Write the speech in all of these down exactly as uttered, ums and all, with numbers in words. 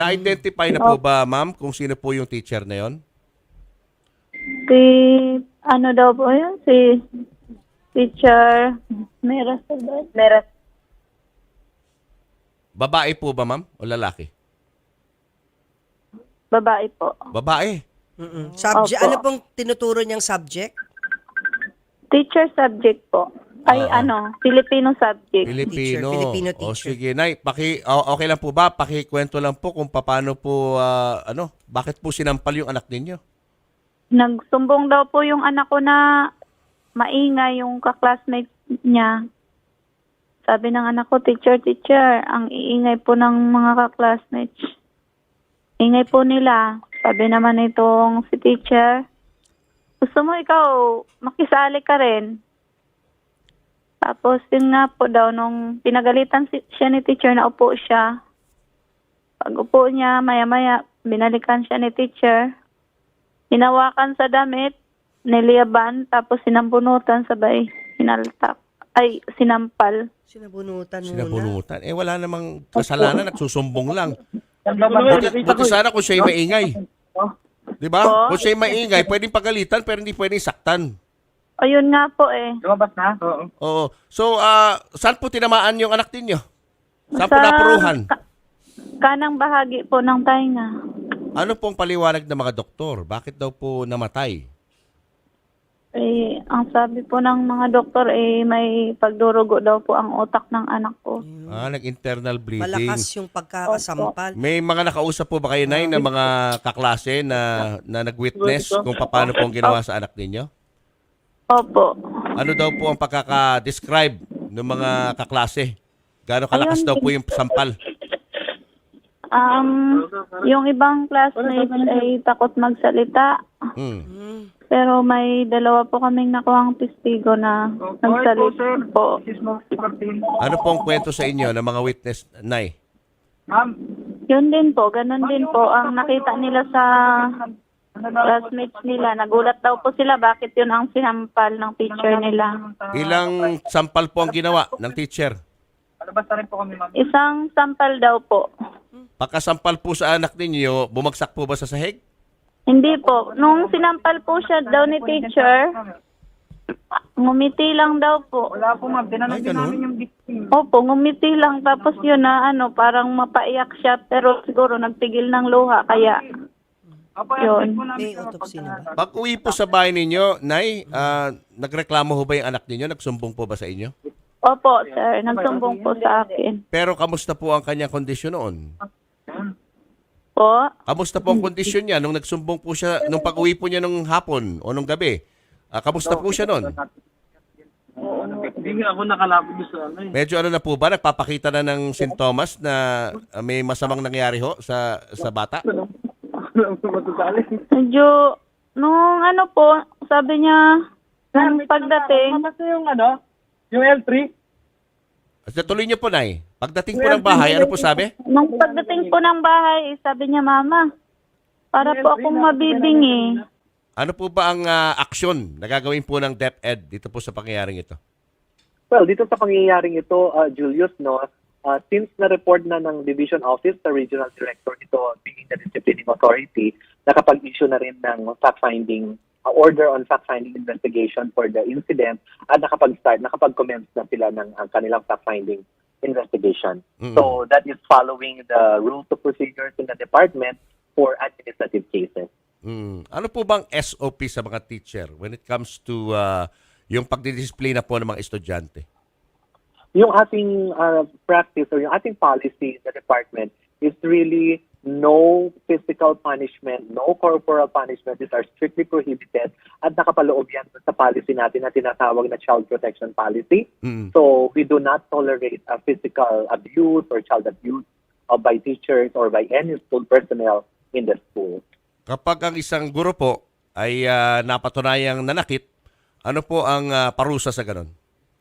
Na-identify na po ba, ma'am, kung sino po yung teacher na yon? Si, ano daw po yun? Si teacher Meras. Meras. Babae po ba, ma'am, o lalaki? Babae po. Babae. Mm-mm. Subject, Opo. ano pong tinuturo niyang subject? Teacher subject po. Ay, Ah. ano, Filipino subject. Filipino. Teacher, Filipino O teacher. sige, Nay, paki, o- okay lang po ba? Pakikwento lang po kung paano po, ah, ano, bakit po sinampal yung anak ninyo? Nagsumbong daw po yung anak ko na maingay yung kaklasmate niya. Sabi ng anak ko, teacher, teacher, ang iingay po ng mga kaklasmates. Ingay po nila. Sabi naman itong si teacher, gusto mo ikaw, makisali ka rin. Tapos yun nga po daw, nung pinagalitan si, siya ni teacher, na upo siya. Pag upo niya, maya-maya, binalikan siya ni teacher. Hinawakan sa damit, niliyaban, tapos sinambunutan, sabay hinaltak. Ay, sinampal. Sinabunutan muna. Sinabunutan. Eh, wala namang kasalanan, nagsusumbong lang. Buti, buti sana kung siya'y maingay. Di ba? Po? Kung siya'y maingay, pwedeng pagalitan, pero hindi pwedeng saktan. Ayun nga po eh. Lumabas na? Oo. Oo. So, ah, saan po tinamaan yung anak ninyo? Saan po Sa- napuruhan? ka- kanang bahagi po ng tainga. Ano pong paliwanag ng mga doktor? Bakit daw po namatay? Eh, ang sabi po ng mga doktor, eh, may pagdurugo daw po ang utak ng anak ko. Ah, nag-internal bleeding. Malakas yung pagkakasampal. May mga nakausap po ba kayo, Nay, na mga kaklase na, na nag-witness kung paano po ang ginawa sa anak ninyo? Opo. Ano daw po ang pagkaka-describe ng mga kaklase? Gaano kalakas Ayun, daw po yung sampal? Um, yung ibang classmates ay takot magsalita. Hmm. Mm. Pero may dalawa po kaming nakuhang testigo na nagsalita po. This is Ma'am Martin. Ano po ang kwento sa inyo ng mga witness, Nay? Ma'am, Yun din po, ganun din po ang nakita nila sa classmates nila. Nagulat daw po sila bakit yun ang sinampal ng teacher nila. Ilang sampal po ang ginawa ng teacher? Alabas na rin po kami, ma'am. Isang sampal daw po. Pagkasampal po sa anak ninyo, bumagsak po ba sa sahig? Hindi po. Nung sinampal po siya daw ni teacher, ngumiti lang daw po. Wala po, ma'am. Tinanong Ay, din ganun? namin yung victim. Opo, ngumiti lang. Tapos yun na ano, parang mapaiyak siya. Pero siguro nagpigil ng luha. Kaya Opo, Yun. update po namin May kayo autopsy na ba? Pag uwi po sa bahay ninyo, Nay, ah, nagreklamo ho ba yung anak ninyo? Nagsumbong po ba sa inyo? opo, sir, nagsumbong po sa akin. Pero kamusta po ang kanyang kondisyon noon? Po, Kamusta po ang kondisyon niya nung nagsumbong po siya, nung pag-uwi po niya nung hapon o nung gabi? Ah, kamusta po siya noon? Hindi nga ako nakalapit sa ano eh. Medyo ano na po ba? Nagpapakita na ng sintomas na ah, may masamang nangyari ho sa sa bata? Matutali. medyo, nung ano po, sabi niya, nung pagdating, Mamasa yung ano? Yung L three? At tuloy niyo po, Nay. Pagdating po ng bahay, ano po sabi? nung pagdating po ng bahay, sabi niya, Mama, para po akong mabibingi. Ano po ba ang ah, aksyon na gagawin po ng DepEd dito po sa pangyayaring ito? Well, dito sa pangyayaring ito, uh, Julius, no, uh, since na-report na ng Division Office sa Regional Director ito, being the Disciplining Authority, nakapag-issue na rin ng fact-finding, uh, order on fact-finding investigation for the incident at nakapag-start, nakapag-commence na sila ng uh, kanilang fact-finding investigation. Mm. So that is following the rules of procedures in the department for administrative cases. Mm. Ano po bang S O P sa mga teacher when it comes to ah, yung pagdidisplay na po ng mga estudyante? Yung ating uh, practice or yung ating policy in the department is really no physical punishment, no corporal punishment. These are strictly prohibited at nakapaloob yan sa policy natin na tinatawag na child protection policy. Mm. So we do not tolerate uh, physical abuse or child abuse uh, by teachers or by any school personnel in the school. Kapag ang isang guro po ay ah, napatunayang nanakit, ano po ang ah, parusa sa ganon?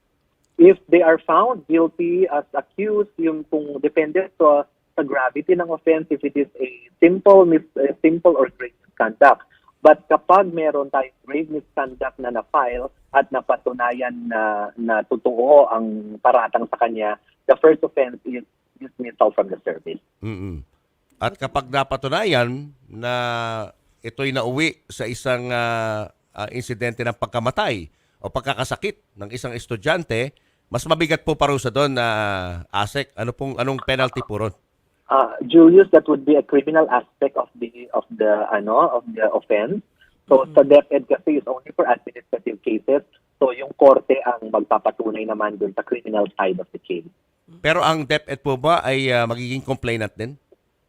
If they are found guilty as accused, yung kung depende sa, sa gravity ng offense, if it is a simple mis, uh, simple or grave misconduct. But kapag meron tayong grave misconduct na na-file at napatunayan na, na totoo ang paratang sa kanya, the first offense is dismissal from the service. Mm-mm. At kapag napatunayan na ito'y nauwi sa isang ah, ah, insidente ng pagkamatay o pagkakasakit ng isang estudyante, mas mabigat po parusa doon na ASEC. Ano pong anong penalty po ron? Uh, Julius, that would be a criminal aspect of the of the ano of the offense. So sa DepEd kasi is only for administrative cases. So yung korte ang magpapatunay naman dun sa criminal side of the case. Pero ang DepEd po ba ay ah, magiging complainant din?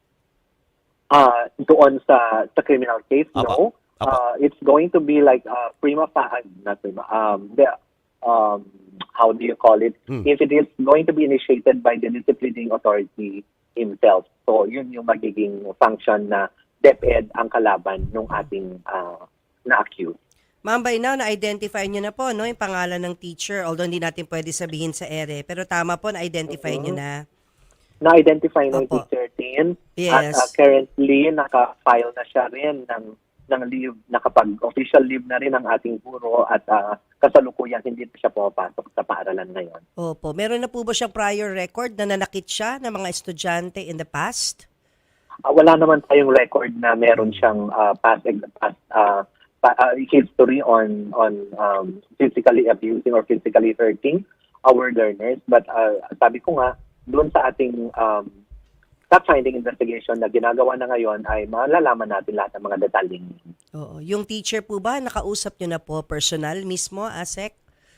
Uh, doon sa sa criminal case, Apa. no. Apa. Uh, it's going to be like uh, prima facie, not prima, um, the, um, how do you call it? Hmm. If it is going to be initiated by the disciplining authority himself. So yun yung magiging function na DepEd ang kalaban ng ating uh, na-accused. Ma'am, by now, na-identify nyo na po, no, yung pangalan ng teacher, although hindi natin pwede sabihin sa ere. Pero tama po, na-identify nyo na. Na-identify ng Opo. teacher team Yes. at uh, currently naka-file na siya rin ng ng leave, nakapag-official leave na rin ang ating guro at uh, kasalukuyan hindi na siya pumapasok sa paaralan ngayon. Opo. Meron na po ba siyang prior record na nanakit siya ng mga estudyante in the past? Uh, wala naman tayong record na meron siyang uh, past, past uh, pa, uh, history on on um, physically abusing or physically hurting our learners. But uh, sabi ko nga, doon sa ating um, fact-finding investigation na ginagawa na ngayon ay malalaman natin lahat ng mga detalyeng. Oo. Yung teacher po ba, nakausap nyo na po personal mismo, ASEC?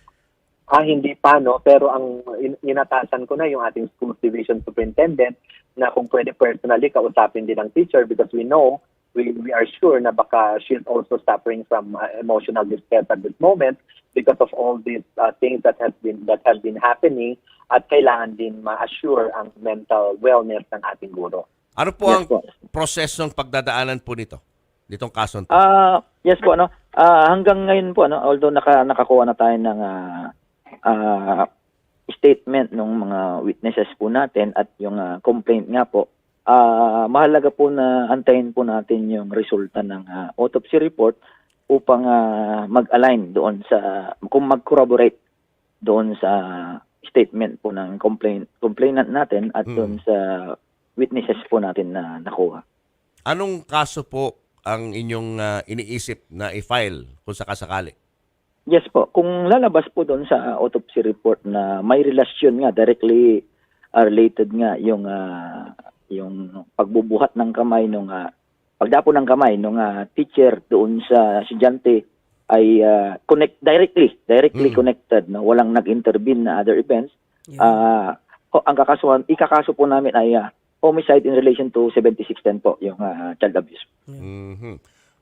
Ah, hindi pa, no? Pero ang in- inatasan ko na yung ating school division superintendent na kung pwede personally kausapin din ang teacher because we know, we, we are sure na baka she's also suffering from uh, emotional distress at this moment because of all these uh, things that has been that have been happening at kailangan din ma-assure ang mental wellness ng ating guro. Ano po Yes ang po. prosesong pagdadaanan po nito? Ditong kaso to? Ah, yes po ano. Ah, hanggang ngayon po ano, although naka nakakuha na tayo ng ah, ah, statement ng mga witnesses po natin at yung ah, complaint nga po, ah, mahalaga po na antayin po natin yung resulta ng ah, autopsy report upang ah, mag-align doon sa kung mag-corroborate doon sa statement po ng complaint complainant natin at Mm. doon sa witnesses po natin na nakuha. Anong kaso po ang inyong ah, iniisip na i-file kung sakasakali? Yes po. Kung lalabas po doon sa autopsy report na may relasyon nga, directly uh, related nga yung uh, yung pagbubuhat ng kamay nung uh, pagdapo ng kamay nung uh, teacher doon sa estudyante ay uh, connect directly, directly Mm. connected, no? Walang nag-intervene na other events. Yeah. Ah, ho- ang kakasuhan, ikakaso po namin ay uh, homicide in relation to seventy-six ten po, yung uh, child abuse. Mhm.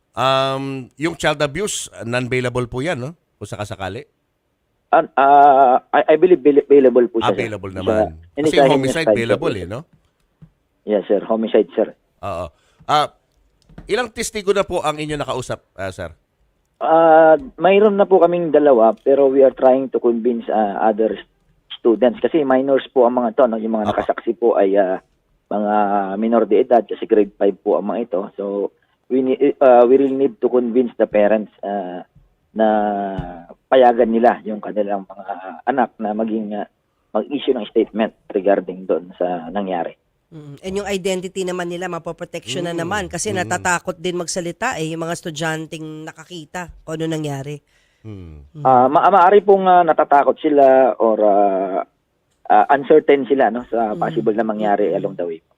Um, yung child abuse, non-bailable po yan, no? Kung sakasakali. Uh, uh, I, I believe bail- bailable po siya. sir. Available Sa- naman. hindi Kasi sa yung homicide, homicide, bailable sir. eh, no? Yes, sir. Homicide, sir. Oo. Ah, ilang testigo na po ang inyo nakausap, ah, sir? Uh, mayroon na po kaming dalawa pero we are trying to convince uh, other students kasi minors po ang mga to, no? Yung mga Apa. nakasaksi po ay uh, mga minor de edad kasi grade five po ang mga ito. So we need, uh, we really need to convince the parents uh, na payagan nila yung kanilang mga anak na maging uh, mag-issue ng statement regarding doon sa nangyari. Mm. And yung identity naman nila, mapoprotection na Mm. naman kasi Mm. natatakot din magsalita eh, yung mga estudyanteng nakakita kung ano nangyari. Hmm. Ah, ma- maaari pong ah, natatakot sila or ah, ah, uncertain sila no sa possible na mangyari along the way.